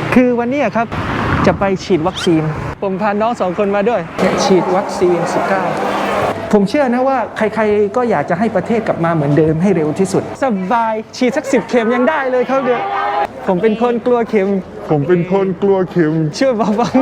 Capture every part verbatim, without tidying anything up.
คือวันนี้ครับจะไปฉีดวัคซีนผมพาน้องสองคนมาด้วยฉีดวัคซีน สิบเก้า ผมเชื่อนะว่าใครๆก็อยากจะให้ประเทศกลับมาเหมือนเดิมให้เร็วที่สุดสบายฉีดสักสิบเข็มยังได้เลยครับเดี๋ยวผมเป็นคนกลัวเข็มผมเป็นคนกลัวเข็มเชื่อบ้าง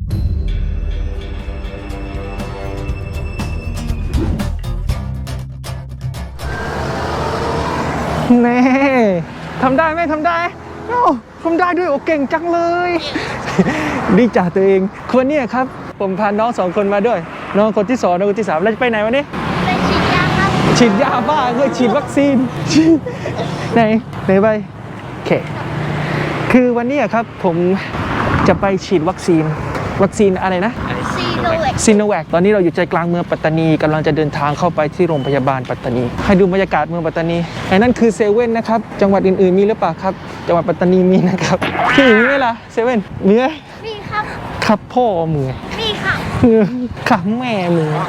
ๆแน่ทำได้ไหมทำได้โอ้ทำได้ด้วยโอ้เก่งจังเลยดีจ่าตัวเองคนนี้ครับผมพาน้องสองคนมาด้วยน้องคนที่สองน้องคนที่สามเราจะไปไหนวันนี้ไปฉีดยาครับฉีดยาบ้าเลยฉีดวัคซีนไหนไหนไปโอเคคือวันนี้ครับผมจะไปฉีดวัคซีนวัคซีนอะไรนะซีโนแวคซีโนแวคตอนนี้เราอยู่ใจกลางเมืองปัตตานีกำลังจะเดินทางเข้าไปที่โรงพยาบาลปัตตานีให้ดูบรรยากาศเมืองปัตตานีไอ้นั่นคือเซเว่นนะครับจังหวัดอื่นๆมีหรือเปล่าครับจังหวัดปัตตานีมีนะครับที่อื่นมีไหมล่ะเซเว่นมีไหมมีครับครับพ่อมือมีค่ะขับแม่มือ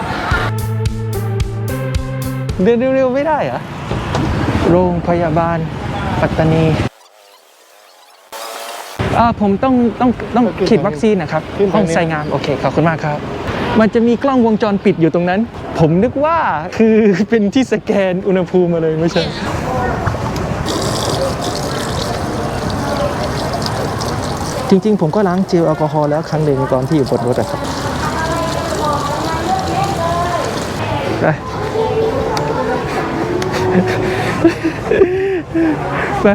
เดินเร็วๆไม่ได้เหรอโรงพยาบาลปัตตานีอ่าผมต้องต้องต้องฉีดวัคซีนนะครับห้องใส่งานโอเคขอบคุณมากครับมันจะมีกล้องวงจรปิดอยู่ตรงนั้นผมนึกว่าคือเป็นที่สแกนอุณหภูมิมาเลยไม่ใช่จริงๆผมก็ล้างเจลแอลกอฮอล์แล้วครั้งหนึ่งตอนที่อยู่บนรถครับไปไป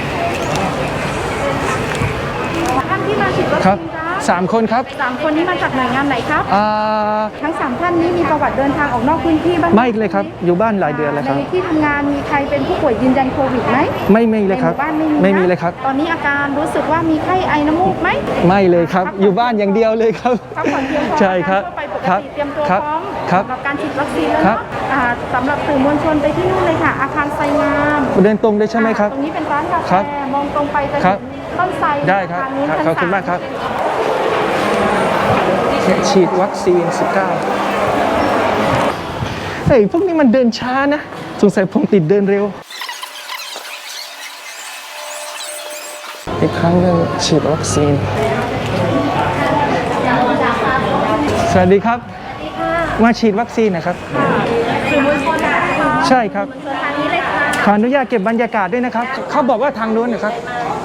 ท่านที่มาฉีดวัคซีนครับสามคนครับสามคนนี้มาจากหน่วยงานไหนครับอ่าทั้งสามท่านนี้มีประวัติเดินทางออกนอกพื้นที่บ้างไม่เลยครับอยู่บ้านหลายเดือนแล้วครับในที่ทำงานมีใครเป็นผู้ป่วยยืนยันโควิดไหมไม่ไม่เลยครับในหมู่บ้านไม่มีไม่มีเลยครับตอนนี้อาการรู้สึกว่ามีไข้ไอน้ำมูกไหมไม่เลยครับอยู่บ้านอย่างเดียวเลยครับพักผ่อนเพียงพอใช่ครับไปปกติเตรียมตัวพร้อมสำหรับการฉีดวัคซีนแล้วเนาะสำหรับสื่อมวลชนไปที่นู่นเลยค่ะอาคารไซงามเดินตรงได้ใช่ไหมครับตรงนี้เป็นร้านกาแฟมองตรงไปจะเห็นต้นไทรได้ครับขอบคุณมากครับฉีดวัคซีน สิบเก้า เฮ้ยพวกนี้มันเดินช้านะสงสัยผมติดเดินเร็วอีกครั้งหนึ่งฉีดวัคซีนสวัสดีครับมาฉีดวัคซีนนะครับใช่ครับขออนุญาตเก็บบรรยากาศด้วยนะครับเขาบอกว่าทางนู้นนะครับ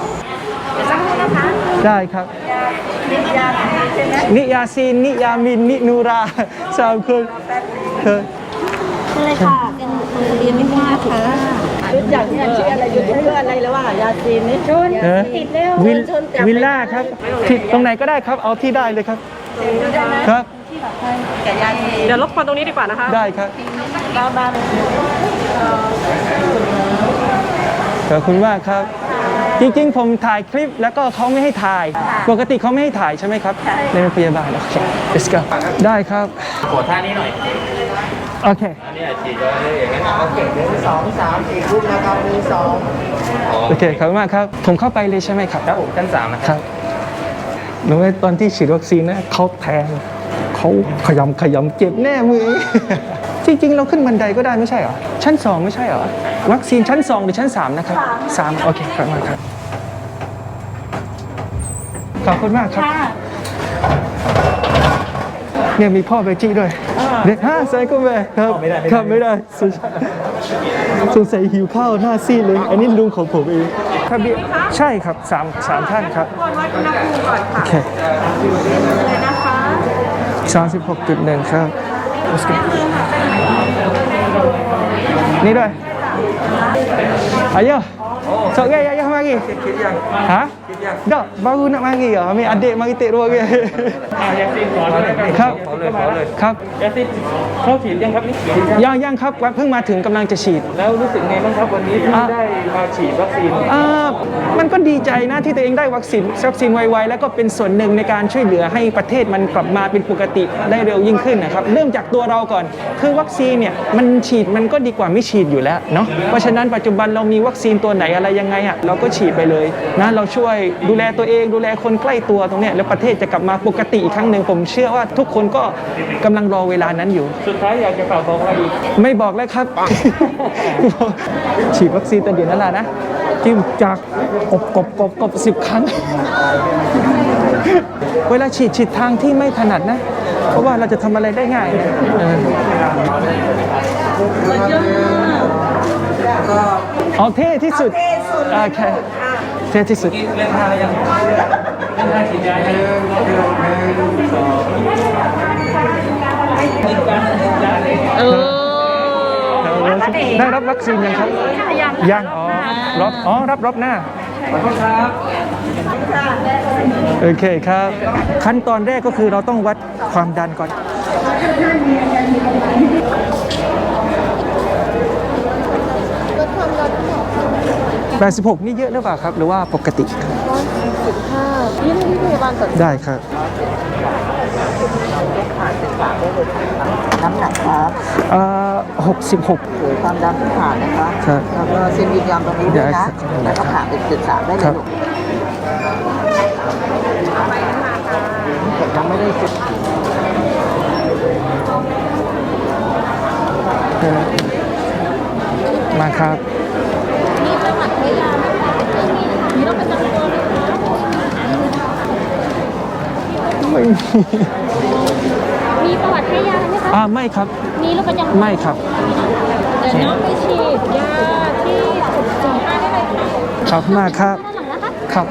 ได้ครับนิยาซีนนิยามินนินูราสามคนเฮ้ยเลยค่ะเป็นทางเรียนไม่ว่าค่ะชุดอย่างนี้ชื่ออะไรอยู่ที่เพื่ออะไรแล้วว่ายาซีนนี่ชุดติดเร็ววิลวิลล่าครับที่ตรงไหนก็ได้ครับเอาที่ได้เลยครับครับเดี๋ยวรบกวนตรงนี้ดีกว่านะคะได้ครับบ้านบ้านขอบคุณมากครับจริงๆผมถ่ายคลิปแล้วก็เขาไม่ให้ถ่ายปกติเขาไม่ให้ถ่ายใช่ไหมครับในโรงพยาบาลโอเค let's go ได้ครับขอท่านี้หน่อยโอเคอันนี้ฉีดเลยอย่างนั้นโอเคหนึ่งสองสามสี่รูปนะครับหนึ่งสองโอเคขอบคุณมากครับผมเข้าไปเลยใช่ไหมครับครับผมชั้นสามนะครับรู้ไหมตอนที่ฉีดวัคซีนนะเขาแทงเขาขยำขยำเจ็บแน่มือจริงๆเราขึ้นบันไดก็ได้ไม่ใช่เหรอชั้นสองไม่ใช่เหรอวัคซีนชั้นสองหรือชั้นสามนะครับสามโอเคขอบคุณมากครับขอบคุณมากครับเนี่ยมีพ่อเบจี้ด้วยเด็กห้าใส่ก็แม่ครับครับไม่ได้สงสัยหิวข้าวหน้าซีดเลยอันนี้ลุงของผมเองครับใช่ครับสามสามท่านครับโอเคเลยนะคะสามสิบหกจุดหนึ่งครับนี่ด้วยayo sok gaya ayah mari ha dah baru nak mari ah ambil adik mari tik dua gaya ครับครับยาซีนเขาฉีดยังครับนี่ยังยังครับเพิ่งมาถึงกำลังจะฉีดแล้วรู้สึกไงบ้างครับวันนี้ที่ได้มาฉีดวัคซีนอ่ามันก็ดีใจนะที่ตัวเองได้วัคซีนวัคซีนไวๆแล้วก็เป็นส่วนหนึ่งในการช่วยเหลือให้ประเทศมันกลับมาเป็นปกติได้เร็วยิ่งขึ้นนะครับเริ่มจากตัวเราก่อนคือวัคซีนเนี่ยมันฉีดมันก็ดีกว่าไม่ฉีดอยู่แล้วเนาะเพราะฉะนั้นปัจจุบันเรามีวัคซีนตัวไหนอะไรยังไงอ่ะเราก็ฉีดไปเลยนะเราช่วยดูแลตัวเองดูแลคนใกล้ตัวตรงเนี้ยแล้วประเทศจะกลับมาปกติอีกครั้งหนึ่งผมเชื่อว่าทุกคนก็กำลังรอเวลานั้นอยู่สุดท้ายอยากจะฝากบอกอะไรอีกไม่บอกแล้วครับ ฉีดวัคซีนตอนเย็นนั่นแหละนะจิ้มจากกบกบกบกบสิบครั้ง เวลาฉีดฉีดทางที่ไม่ถนัดนะ เพราะว่าเราจะทำอะไรได้ง่ายนะเออเอาเท่ที่สุดโอเคเท่ที่สุดเล่นท่ายังเล่นท่าฉีดยายังเออได้รับวัคซีนยังครับ ยังอ๋อรับอ๋อรับรอบหน้าขอโทษครับโอเคครับ ขั้นตอนแรกก็คือเราต้องวัดความดันก่อน แปดสิบหกนี่เยอะหรือเปล่าครับ หรือว่าปกติสิบห้ายี่ที่พยาบาลสดได้ครับน้ำหนักครับเอ่อหกสิบหกหรือความดันที่ผ่านนะคะครับแล้วก็เซ็นยินยอมตรงนี้ด้วยนะได้ครับแล้วก็ผ่านเป็นจุดสามได้เลครัยบลูกแต่ยังไม่ได้จุดมาครับมีประวัติพยาไหมคะมีโรคประจำตัวไหมคะไม่มีมีประวัติให้ยาไหมคะอ่าไม่ครับมีโรคประจำตัวไม่ครับเดี๋ยวน้องไปฉีดยาที่จุดสี่ห้าได้เลยค่ะขอบคุณมากครับด้านหลังนะคะครับ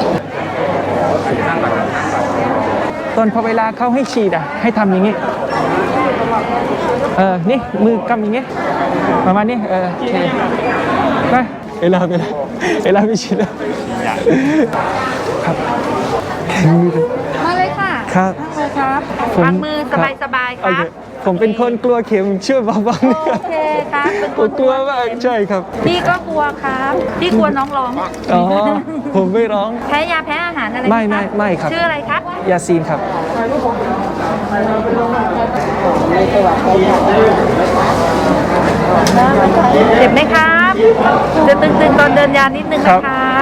ตอนพอเวลาเขาให้ฉีดอ่ะ ให้ทำอย่างนี้ เออ นี่ มือกำอย่างนี้ ประมาณนี้ เออโอเคไปเอลาไปเลยเอลาไปฉีดแล้วครับมาเลยค่ะครับนั่งเลยครับผมวางมือสบายสบายๆคโอรับเคผมเป็นคนกลัวเข็มช่วยเบาๆหน่อยคโอรับเคครับเป็นคผมนกลัวมากใช่ครับพี่ก็กลัวครับพี่กลัวน้องร้องอ๋อ ผมไม่ร้องแพ้ยาแพ้อาหารอะไรหไม่คะไม่ไม่ครับชื่ออะไรครับยาซีนครับเจ็บไหมครับจะตึงๆตอนเดินยานิดนึงครันะบครับ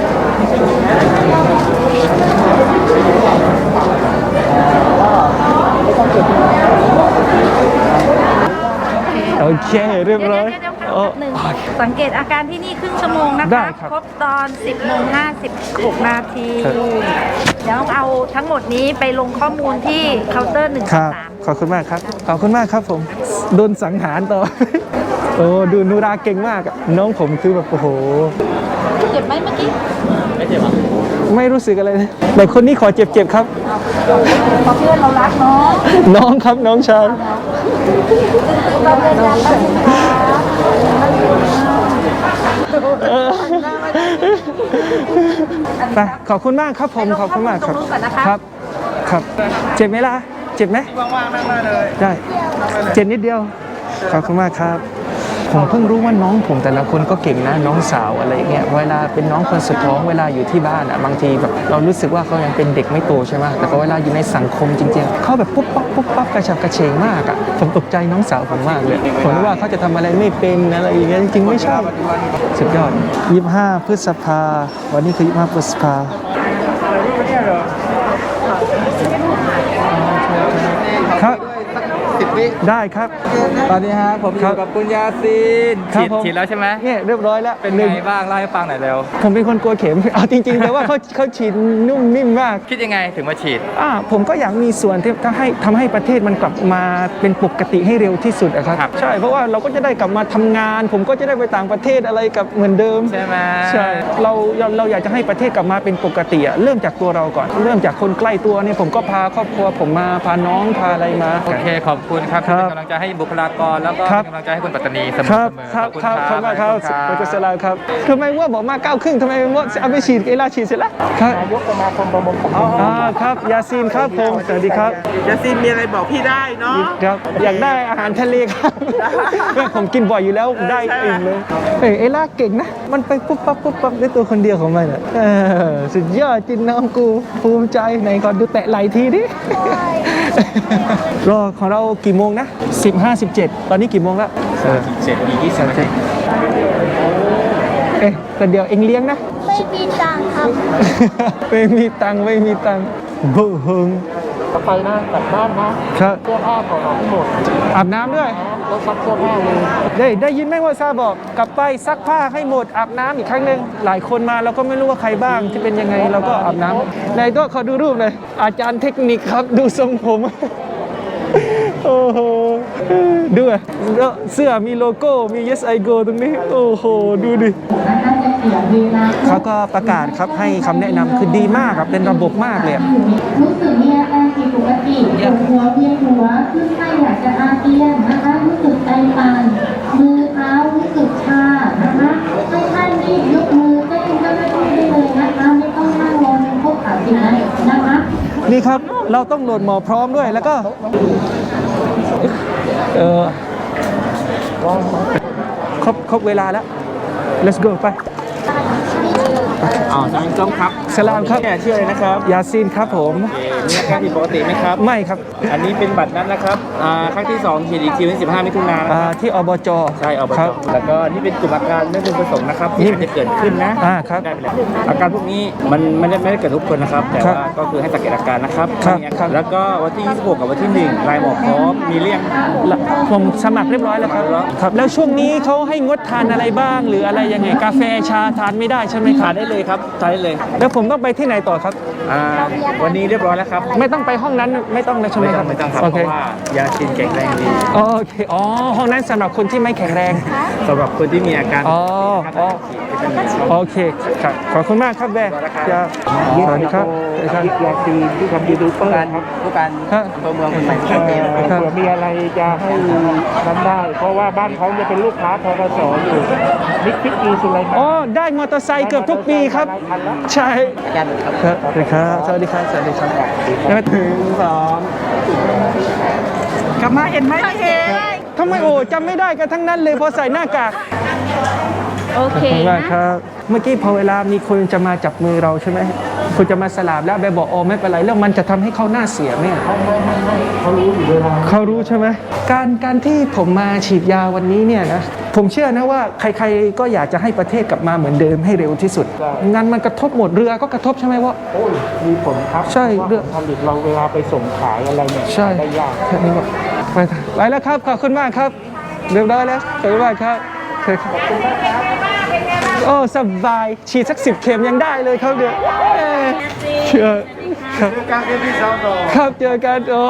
โอเค เรียบเดี๋ยวร้อยเดี๋ยวโอ้หนึ่งสังเกตอาการที่นี่ครึ่งชั่วโมงนะได้ครับครับครบตอน สิบโมงห้าสิบหกนาที เดี๋ยวเอาทั้งหมดนี้ไปลงข้อมูลที่เคาน์เตอร์หนึ่งคสารัมบสามขอบคุณมากครับ ขอบคุณมากครับผม โดนสังหารต่อ โอ้ดูนูราเก่งมากอะน้องผมคือแบบโอ้โหเจ็บไหมเมื่อกี้ไม่เจ็บอ่ะไม่รู้สึกอะไรเลยแต่คนนี้ขอเจ็บๆครับเพราะเพื่อนเรารักเนาะน้องครับน้องชายเราเดินยาไปเออไปขอบคุณมากครับผม ขอบคุณมากครับ ครับ ครับ เจ็บไหมล่ะ เจ็บไหมว่างๆนั่งได้เลย ได้ เจ็บนิดเดียว ขอบคุณมากครับ ผมเพิ่งรู้ว่าน้องผมแต่ละคนก็เก่งนะ น้องสาวอะไรเงี้ย เวลาเป็นน้องคนสุดท้องเวลาอยู่ที่บ้านอ่ะ บางทีแบบเรารู้สึกว่าเขายังเป็นเด็กไม่โตใช่ไหมแต่พอเวลาอยู่ในสังคมจริงๆเขาแบบปุ๊บปั๊บปุ๊บปั๊บกระฉับกระเฉงมากอ่ะ ผมตกใจน้องสาวผมมากเลย ผมนึกว่าเขาจะทำอะไรไม่เป็นอะไรอย่างเงี้ยจริงๆไม่ใช่ สุดยอดยี่สิบห้าพฤษภา วันนี้คือยี่สิบห้าพฤษภา ครับได้ครับตอนนี้ฮะผมอยู่กับคุณยาซีนครัฉีบดผมฉีดแล้วใช่ไหมเนี่ยเรียบร้อยแล้วเป็นหนึ่งไงบ้างเล่าให้ฟังหน่อยเร็วผมเป็นคนกลัวเข็ม เอาจริงๆ แต่ว่าเขาเขาฉีดนุ่มนิ่มมากคิดยังไงถึงมาฉีดอ่าผมก็อยากมีส่วนที่ทำให้ทำให้ประเทศมันกลับมาเป็นปกติให้เร็วที่สุดอะครับครับใช่เพราะว่าเราก็จะได้กลับมาทำงาน ผมก็จะได้ไปต่างประเทศอะไรกับเหมือนเดิมใช่ไหมใช่เราเราเราอยากจะให้ประเทศกลับมาเป็นปกติอะเริ่มจากตัวเราก่อน เริ่มจากคนใกล้ตัวเนี่ยผมก็พาครอบครัวผมมาพาน้องพาอะไรมาโอเคขอบคุณครับครัที่บเป็นกำลังใจให้บุคลากรแล้วก็ครับเป็นกำลังใจให้คนปัตตานีเสมคอรับเสมอครับขอบคุณครับคขรัอบบ คุณมากครับขอณโปรเจกต์สลามครับทำไมว่าบอกมาเก้าครึ่งทำไมว่าเอาไปฉีดเอลาฉีดเสร็จแล้วครับนายกสมาคมประมงของอ่าครับยาซีนครับผมสวัสดีครับยาซีนมีอะไรบอกพี่ได้เนาะครับอยากได้อาหารทะเลครับแม่ผมกินบ่อยอยู่แล้วได้อิ่มเลยเอ้ยเอล่าเก่งนะ มันไปปุ๊บปั๊บปุ๊บปั๊บด้วยตัวคนเดียวของมันอ่ะเออสุดยอดจินน้องกูภูมิใจไหนก่อนดูแตะไหลทีดิรอของเรากี่โมงนะสิบห้าสิบเจ็ดตอนนี้กี่โมงแล้วเออเจ็ดอีกยี่สิบนาทีเอ๊ะแต่เดี๋ยวเอ็งเลี้ยงนะไม่มีตังค์ครับไม่มีตังค์ไม่มีตังค์บูฮึงไปนะกลับบ้านนะครับ เสื้อผ้าของเราทั้งหมดอาบน้ำด้วยรถซักเสื้อผ้าเลยได้ได้ยินไหมว่าซาบอกกลับไปซักผ้าให้หมดอาบน้ำอีกครั้งหนึ่งหลายคนมาเราก็ไม่รู้ว่าใครบ้างที่เป็นยังไงเราก็อาบน้ำในตัวขอดูรูปเลยอาจารย์เทคนิคครับดูทรงผม โอ้โหดูอ่ะเสื้อมีโลโก้มี yes I go ตรงนี้โอ้โหดูดิเขาก็ประกาศครับให้คำแนะนำคือดีมากครับเป็นระบบมากเลยอะรู้สึกมีอาการผิดปกติปวดหัวเวียนหัวขึ้นไส้อยากจะอาเจียนนะคะรู้สึกใจสั่นมือเท้ารู้สึกชานะคะให้ท่านรีบยกมือแจ้งเจ้าหน้าที่ได้เลยนะคะไม่ต้องนั่งรอจนพบข่าวจริงนะนะคะนี่ครับเราต้องโหลดหมอพร้อมด้วยแล้วก็เออครบครบเวลาแล้ว let's go ไปอ๋อสวัสดีครับสลามครับเนี่ยชื่ออะไรนะครับยาซีนครับผมมีอาการผิดปกติไหมครับไม่ครับอันนี้เป็นบัตรนัดนะครับอ่าครั้งที่สองฉีดอีกทีวันที่สิบห้ามิถุนายนนะอ่าครับที่อบจใช่อบคจรับแล้วก็นี่เป็นกลุ่มอาการไม่พึงประสงค์นะครับที่อาจจะเกิดขึ้นนะอ่าครับได้ไปแล้วอาการพวกนี้มันไม่ได้ไม่ได้เกิดทุกคนนะครับ แต่ครับว่าก็คือให้สังเกตอาการนะครับครับมีอาครัการบแล้วก็วันที่ยี่สิบหกกับวันที่หนึ่งลายหมอพร้อมมีเลี่ยงละผมสมัครเรียบร้อยแล้วครับครับ แล้วช่วงนี้เขาให้งดทานอะไรบ้าง หรืออะไรยังไงกาแฟชาทานไม่ได้ใช่ไหมคทารันบได้เลยครับทานได้เลยแล้วผมต้องไปที่ไหนต่อครับอ่าวันนี้เรียบร้อยแล้วครับไม่ต้องไปห้องนั้นไม่ต้องเลยใช่ไหมไม่คต้รัอบ งไม่ต้องครับโอเพเคราะว่ายาชินแข็งแรงดีโอเคอ๋อห้องนั้นสำหรับคนที่ไม่แข็งแรงสำหรับคนที่มีอาการอ๋ออ๋อวิตามินซีโอเคครับขอบคุณมากครับแม่จะสวัสดีครับสวัสดีครับยาซีที่ทำยูทูบเบอร์ครับผู้การครับตัวเมืองใส่ชัดเจนครับเผื่อมีอะไรจะให้นั้นได้ เพราะว่าบ้านเขาจะเป็นลูกค้าทกสอยู่นิกพิกอีสุไลมาอ๋อได้มอเตอร์ไซค์เกือบทุกปีครับ ใช่ครับสวัสดีครับสวัสดีครับสวัสดีครับแล้วก็ถึงสองกลับมาเห็นไหมไม่เห็นทำไมโอ้จำไม่ได้กันทั้งนั้นเลยพอใส่หน้ากากโอเคขอบคุณมากนะครับเมื่อกี้พอเวลามีคนจะมาจับมือเราใช่ไหมคุณจะมาสลาบแล้วแบบบอกโอ้ไม่เป็นไรแล้วมันจะทำให้เขาหน้าเสียไหมเขาเขารู้อยู่เวลาเขารู้ใช่ไหมการการที่ผมมาฉีดยาวันนี้เนี่ยนะผมเชื่อนะว่าใครๆก็อยากจะให้ประเทศกลับมาเหมือนเดิมให้เร็วที่สุดงานมันกระทบหมดเรือก็กระทบใช่ไหมว่าโอ้ยมีผลครับใช่พราะว่าเรื่องผลิตเราเวลาไปส่งขายอะไรเนี่ยใช่ได้ยากแค่นี้ก็ไปไปแล้วครับขอบคุณมากครับเรียบร้อยแล้วขอบคุณมากครับโอเคครับโอ้สบายฉีดสักสิบเข็มยังได้เลยครับเนี่ยเอ้ยเชื่อครับการเป็นที่สองต่อครับเจอกันโอ้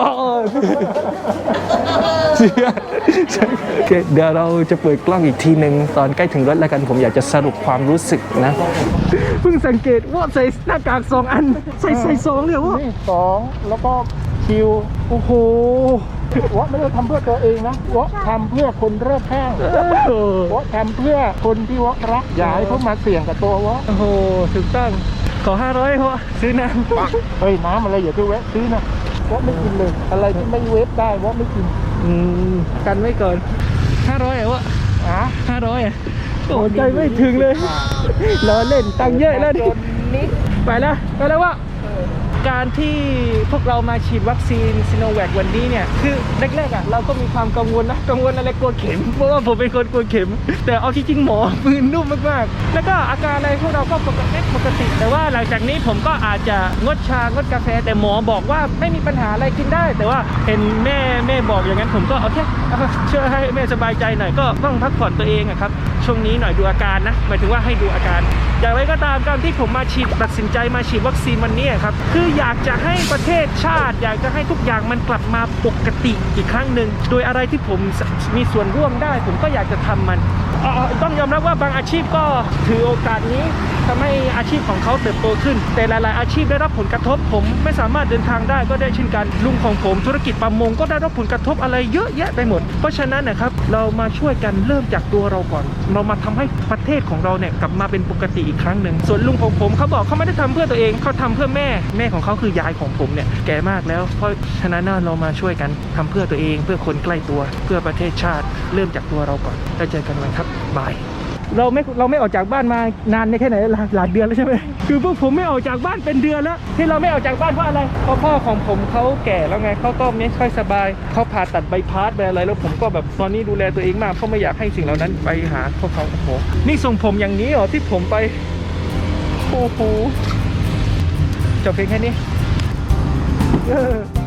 เชื่อโอเคเดี๋ยวเราจะเปิดกล้องอีกทีหนึ่งตอนใกล้ถึงรถแล้วกันผมอยากจะสรุปความรู้สึกนะเพิ่งสังเกตว่าใส่หน้ากากสองอันใส่ใส่สองเลยว่านี่สองแล้วก็คิวโอ้โหวะไม่ได้ทำเพื่อตัวเองนะวะทำเพื่อคนรอบข้างวะทำเพื่อคนที่วะรักอย่าให้เขามาเสี่ยงกับตัววะโอ้โหถูกต้องขอห้าร้อยเพราะซื้อน้ำเฮ้ยน้ำอะไรอย่าไปแวะซื้อนะวะไม่กินเลย อะไรที่ไม่เวฟได้วะไม่กินอืมกันไว้ก่อนห้าร้อยอ่ะวะอ่ะห้าร้อยอ่ะโอ้ใจไม่ถึงเลยล้อเล่นตังค์เยอะแล้วดิไปแล้วไปแล้วว่าการที่พวกเรามาฉีดวัคซีนซิโนแวควันนี้เนี่ยคือแรกๆอ่ะเราก็มีความกังวลนะกังวลอะไรกลัวเข็มเพราะว่าผมเป็นคนกลัวเข็ม แต่เอาจริงๆหมอมือนุ่มมากๆแล้วก็อาการอะไรพวกเราก็ปกติปกติ แต่ว่าหลังจากนี้ผมก็อาจจะงดชางดกาแฟแต่หมอบอกว่าไม่มีปัญหาอะไรกินได้ แต่ว่าเห็นแม่แม่บอกอย่างนั้นผมก็โอเคเอาเชื่อให้แม่สบายใจหน่อยก็ต้องพักผ่อนตัวเองอะครับช่วงนี้หน่อยดูอาการนะหมายถึงว่าให้ดูอาการอย่างไรก็ตามการที่ผมมาฉีดตัดสินใจมาฉีดวัคซีนวันนี้ครับคืออยากจะให้ประเทศชาติอยากจะให้ทุกอย่างมันกลับมาปกติอีกครั้งหนึ่งโดยอะไรที่ผมมีส่วนร่วมได้ ผมก็อยากจะทำมันเอ่อต้องยอมรับว่าบางอาชีพก็ถือโอกาสนี้ทำให้อาชีพของเขาเติบโตขึ้นแต่หลายๆอาชีพได้รับผลกระทบผมไม่สามารถเดินทางได้ก็ได้เช่นกันลุงของผมธุรกิจประมงก็ได้รับผลกระทบอะไรเยอะแยะไปหมดเพราะฉะนั้นนะครับเรามาช่วยกันเริ่มจากตัวเราก่อนเรามาทำให้ประเทศของเราเนี่ยกลับมาเป็นปกติอีกครั้งหนึ่งส่วนลุงของผมเขาบอกเขาไม่ได้ทำเพื่อตัวเองเขาทำเพื่อแม่แม่ของเขาคือยายของผมเนี่ยแก่มากแล้วเพราะฉะนั้นเรามาช่วยกันทำเพื่อตัวเองเพื่อคนใกล้ตัวเพื่อประเทศชาติเริ่มจากตัวเราก่อนแล้วเจอกันวันครับบายเราไม่เราไม่ออกจากบ้านมานานในแค่ไหนหลายหลายเดือนแล้วใช่ไหมคือพวกผมไม่ออกจากบ้านเป็นเดือนแล้วที่เราไม่ออกจากบ้านเพราะอะไรเพราะพ่อของผมเขาแก่แล้วไงเขาก็ไม่ค่อยสบายเขาผ่าตัดใบพัดไปอะไรแล้วผมก็แบบตอนนี้ดูแลตัวเองมากเพราะไม่อยากให้สิ่งเหล่านั้นไปหาพวกเขาโอ้โหนี่ส่งผมอย่างนี้เหรอที่ผมไปโอ้โหจบเพลงแค่นี้เออ